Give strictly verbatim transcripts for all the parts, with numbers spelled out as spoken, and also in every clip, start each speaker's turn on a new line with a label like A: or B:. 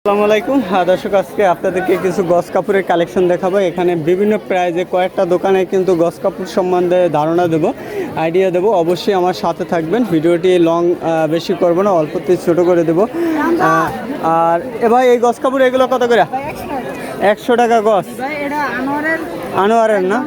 A: আসসালামু আলাইকুম। হ্যাঁ দর্শক, আজকে আপনাদেরকে কিছু গস কাপড়ের কালেকশন দেখাবো। এখানে বিভিন্ন প্রাইজে কয়েকটা দোকানে কিন্তু গস কাপড় সম্বন্ধে ধারণা দেবো, আইডিয়া দেবো। অবশ্যই আমার সাথে থাকবেন। ভিডিওটি লং বেশি করব না, অল্পতে ছোটো করে দেবো। আর এ ভাই, এই গস কাপড় এগুলো কত করে? একশো টাকা গস। আনোয়ারের না?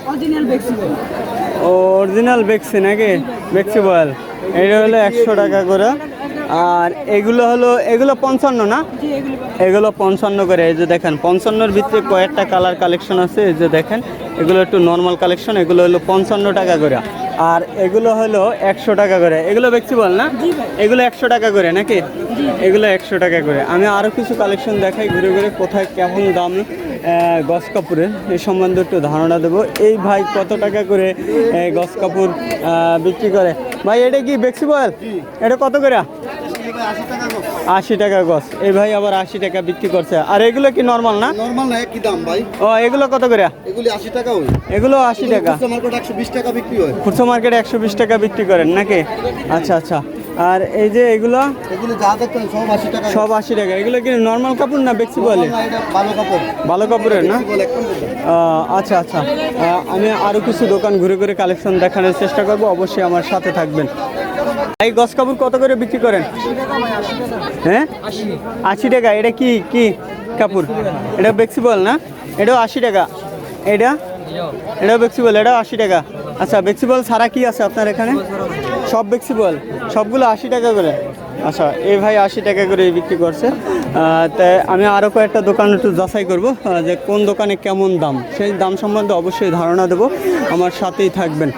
A: অরিজিনাল বেক্সি নাকি? বেক্সি বয়েল। এটা হলো একশো টাকা করে। আর এগুলো হলো এগুলো পঞ্চান্ন না? এগুলো পঞ্চান্ন করে। এই যে দেখেন, পঞ্চান্নর ভিতরে কয়েকটা কালার কালেকশন আছে। এই যে দেখেন, এগুলো একটু নর্মাল কালেকশন। এগুলো হলো পঞ্চান্ন টাকা করে। আর এগুলো হলো একশো টাকা করে। এগুলো ফ্লেক্সিবল না? এগুলো একশো টাকা করে নাকি? এগুলো একশো টাকা করে। আমি আরও কিছু কালেকশন দেখাই ঘুরে ঘুরে, কোথায় কেমন দাম গস কাপড়ের এই সম্বন্ধে একটু ধারণা দেবো। এই ভাই কত টাকা করে গস কাপড় বিক্রি করে? ভাই এটা কি ফ্লেক্সিবল? এটা কত করে? আশি টাকা গস। এই ভাই আবার আশি টাকা বিক্রি করছে। আর এগুলো কি নরমাল না?
B: নরমাল না, কি দাম ভাই?
A: ও, এগুলো কত করে?
B: এগুলি আশি টাকা হয়।
A: এগুলো আশি টাকা।
B: খুচরা মার্কেটে একশো বিশ টাকা বিক্রি হয়।
A: খুচরা মার্কেটে একশো বিশ টাকা বিক্রি করেন নাকি? আচ্ছা আচ্ছা। আর এই যে এগুলো
B: এগুলো যা দেখতেন সব আশি টাকা।
A: সব আশি টাকা। এগুলো কি নর্মাল কাপড় না ফ্লেক্সিবল?
B: ভালো কাপড়।
A: ভালো কাপড়ের না? আচ্ছা আচ্ছা। আমি আরও কিছু দোকান ঘুরে ঘুরে কালেকশন দেখানোর চেষ্টা করব। অবশ্যই আমার সাথে থাকবেন। এই গস কাপড় কত করে বিক্রি করেন? হ্যাঁ, আশি টাকা। এটা কি কি কাপড়? এটা ফ্লেক্সিবল না? এটাও আশি টাকা। এটা এটাও ফ্লেক্সিবল, এটাও আশি টাকা। আচ্ছা, ফ্লেক্সিবল ছাড়া কি আছে আপনার এখানে? সব ফ্লেক্সিবল, সবগুলো আশি টাকা করে। আচ্ছা, এই ভাই আশি টাকা করে বিক্রি করছে। তাই আমি আরও কয়েকটা দোকান একটু যাচাই করব, যে কোন দোকানে কেমন দাম, সেই দাম সম্বন্ধে অবশ্যই ধারণা দেবো। আমার সাথেই থাকবেন।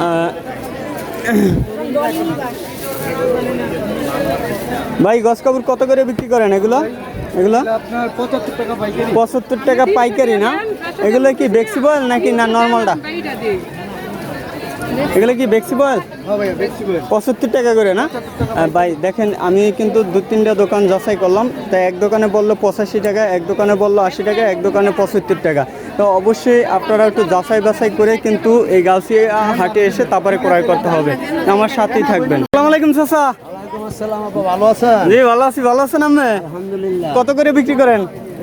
A: ভাই গস কাপড় কত করে বিক্রি করেন এগুলো? এগুলো
B: আপনার পঁচাত্তর টাকা পাইকারি।
A: পঁচাত্তর টাকা পাইকারি না? এগুলো কি ফ্লেক্সিবল নাকি না নর্মালটা? এগুলো কি ফ্লেক্সিবল? পঁচাত্তর টাকা করে না? ভাই দেখেন, আমি কিন্তু দু তিনটা দোকান যাচাই করলাম। তাই এক দোকানে বললো পঁচাশি টাকা, এক দোকানে বললো আশি টাকা, এক দোকানে পঁচাত্তর টাকা। তো অবশ্যই আপনারা একটু যাচাই বাছাই করে কিন্তু এই গাউসিয়া হাটে এসে তারপরে ক্রয় করতে হবে। আমার সাথেই থাকবেন। আসসালামু আলাইকুম চাচা।
B: ভালো আছেন?
A: জি ভালো আছি। ভালো আছেন আপনি?
B: আলহামদুলিল্লাহ।
A: কত করে বিক্রি করেন?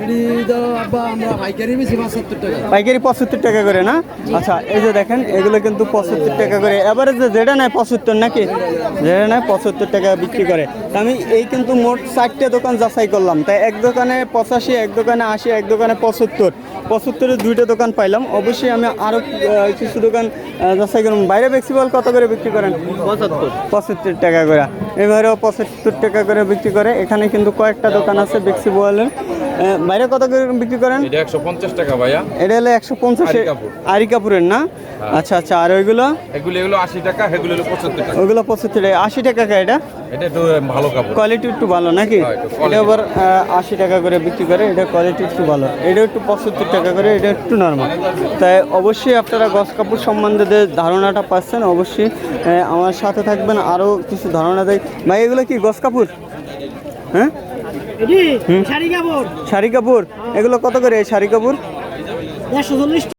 A: পাইকারি পঁচাত্তর টাকা করে না? আচ্ছা, এই যে দেখেন, এগুলো কিন্তু পঁচাত্তর টাকা করে। এবারে যে যেটা নেয় পঁচাত্তর নাকি? যেটা নেয় পঁচাত্তর টাকা বিক্রি করে। আমি এই কিন্তু মোট চারটে দোকান যাচাই করলাম। তাই এক দোকানে পঁচাশি, এক দোকানে আশি, এক দোকানে পঁচাত্তর। পঁচাত্তরের দুইটা দোকান পাইলাম। অবশ্যই আমি আরও কিছু দোকান যাচাই করলাম। বাইরে ফ্লেক্সিবল কত করে বিক্রি করেন? পঁচাত্তর পঁচাত্তর টাকা করে। এবারেও পঁচাত্তর টাকা করে বিক্রি করে। এখানে কিন্তু কয়েকটা দোকান আছে ফ্লেক্সিবলের। বাইরে কত করে বিক্রি করেন?
C: এটা একশো পঞ্চাশ টাকা ভাইয়া।
A: এটা হলো একশো পঞ্চাশ। আরি কাপুরের না? আচ্ছা আচ্ছা। আর ওইগুলো?
C: এগুলো এগুলো আশি টাকা, এগুলো হলো পঁচাত্তর টাকা।
A: ওইগুলো পঁচাত্তর টাকা। আশি টাকা কা? এটা
C: এটা একটু ভালো কাপড়,
A: কোয়ালিটি একটু ভালো নাকি? এটা আবার আশি টাকা করে বিক্রি করে। এটা কোয়ালিটি একটু ভালো। এটা একটু পঁচাত্তর টাকা করে। এটা একটু নর্মাল। তাই অবশ্যই আপনারা গস কাপড় সম্বন্ধে যে ধারণাটা পাচ্ছেন, অবশ্যই আমার সাথে থাকবেন। আরও কিছু ধারণা দেয়। ভাই এগুলো কি গস কাপড়? হ্যাঁ, শাড়ি কাপড়। শাড়ি কাপড়। এগুলো কত করে শাড়ি কাপড়? একশো চল্লিশ।